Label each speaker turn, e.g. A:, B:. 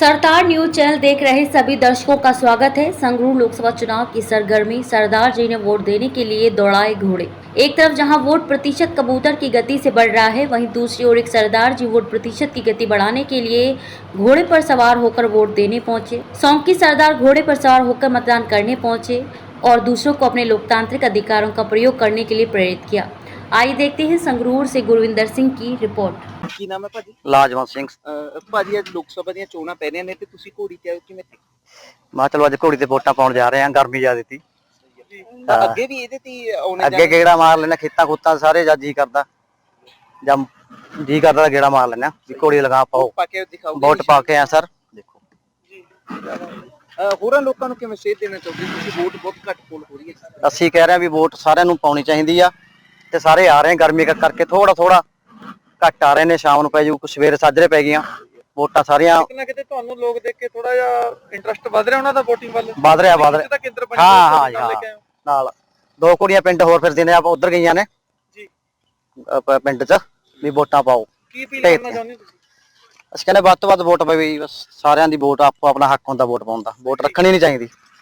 A: सरदार news channel देख रहे सभी दर्शकों का स्वागत है। संगरूर लोकसभा चुनाव की सरगर्मी, सरदार जी ने वोट देने के लिए दौड़ाए घोड़े। एक तरफ जहां वोट प्रतिशत कबूतर की गति से बढ़ रहा है, वहीं दूसरी ओर एक सरदार जी वोट प्रतिशत की गति बढ़ाने के लिए घोड़े पर सवार होकर वोट देने पहुंचे। सौंकी सरदार घोड़े पर सवार होकर मतदान करने पहुंचे और दूसरों को अपने लोकतांत्रिक अधिकारों का प्रयोग करने के लिए प्रेरित किया। आइए देखते हैं संगरूर से गुरविंदर सिंह की रिपोर्ट।
B: ਕੀ ਨਾਮ ਹੈ ਭਾਜੀ?
C: ਲਾਜਵੰਤ ਸਿੰਘ।
B: ਭਾਜੀ ਅੱਜ ਲੋਕ ਸਭਾ ਦੀਆਂ ਚੋਣਾਂ ਪੈ ਰਹੀਆਂ ਨੇ ਤੇ ਤੁਸੀਂ ਘੋੜੀ ਤੇ ਆਏ ਹੋ, ਕਿਵੇਂ
C: ਮੈਂ ਚਲੋ ਅੱਜ ਘੋੜੀ ਤੇ ਵੋਟਾਂ ਪਾਉਣ ਜਾ ਰਹੇ ਹਾਂ, ਗਰਮੀ ਜ਼ਿਆਦਾ ਸੀ।
B: ਤਾਂ ਅੱਗੇ ਵੀ ਇਹਦੇ ਤੇ ਆਉਣੇ
C: ਅੱਗੇ ਗੇੜਾ ਮਾਰ ਲੈਣਾ ਖੇਤਾਂ ਖੁੱਤਾਂ ਸਾਰੇ, ਜਾਂ ਜੀ ਕਰਦਾ ਗੇੜਾ ਮਾਰ ਲੈਣਾ ਵੀ ਘੋੜੀ ਲਗਾ ਪਾਓ,
B: ਪਾ ਕੇ ਦਿਖਾਓ।
C: ਵੋਟ ਪਾ ਕੇ ਆ ਸਰ। ਦੇਖੋ
B: ਹੋਰਾਂ ਲੋਕਾਂ ਨੂੰ ਕਿਵੇਂ ਸੇਧ ਦੇਣਾ ਚਾਹੁੰਦੇ ਤੁਸੀਂ? ਵੋਟ ਬਹੁਤ ਘੱਟ ਪੋਲ ਹੋ ਰਹੀ ਹੈ।
C: ਅਸੀਂ ਕਹਿ ਰਹੇ ਹਾਂ ਵੀ ਵੋਟ ਸਾਰਿਆਂ ਨੂੰ ਪਾਉਣੀ ਚਾਹੀਦੀ ਆ ਤੇ ਸਾਰੇ ਆ ਰਹੇ ਗਰਮੀ ਕਰਕੇ ਥੋੜਾ ਘੱਟ ਆ ਰਹੇ ਨੇ। ਸ਼ਾਮ ਨੂੰ ਪੈ ਜੂ, ਕੁਛ ਸਵੇਰੇ ਸਾਜਰੇ ਪੈ ਗਈਆਂ ਵੋਟਾਂ ਸਾਰੀਆਂ।
B: ਕਿਤੇ ਨਾ ਕਿਤੇ ਤੁਹਾਨੂੰ ਲੋਕ ਦੇਖ ਕੇ ਥੋੜਾ ਜਿਹਾ ਇੰਟਰਸਟ ਵਧ ਰਿਹਾ ਉਹਨਾਂ ਦਾ ਵੋਟਿੰਗ ਵੱਲ।
C: ਵਧ ਰਿਹਾ ਹਾਂ। ਨਾਲ ਦੋ ਕੁੜੀਆਂ ਪਿੰਡ ਹੋਰ ਫਿਰਦੀਆਂ ਨੇ, ਆਪਾਂ ਉਧਰ ਗਈਆਂ ਨੇ
B: ਜੀ
C: ਪਿੰਡ 'ਚ ਵੀ ਵੋਟਾਂ ਪਾਓ।
B: ਕੀ ਅਪੀਲ ਕਰਨਾ ਚਾਹੁੰਦੇ ਤੁਸੀਂ?
C: ਅਸੀਂ ਕਹਿੰਦੇ ਵੱਧ ਤੋਂ ਵੱਧ ਵੋਟ ਪਵੇ, ਬਸ ਸਾਰਿਆਂ ਦੀ ਵੋਟ ਆਪੋ ਆਪਣਾ ਹੱਕ ਹੁੰਦਾ ਵੋਟ ਪਾਉਣ ਦਾ, ਵੋਟ ਰੱਖਣੀ ਨਹੀਂ ਚਾਹੀਦੀ।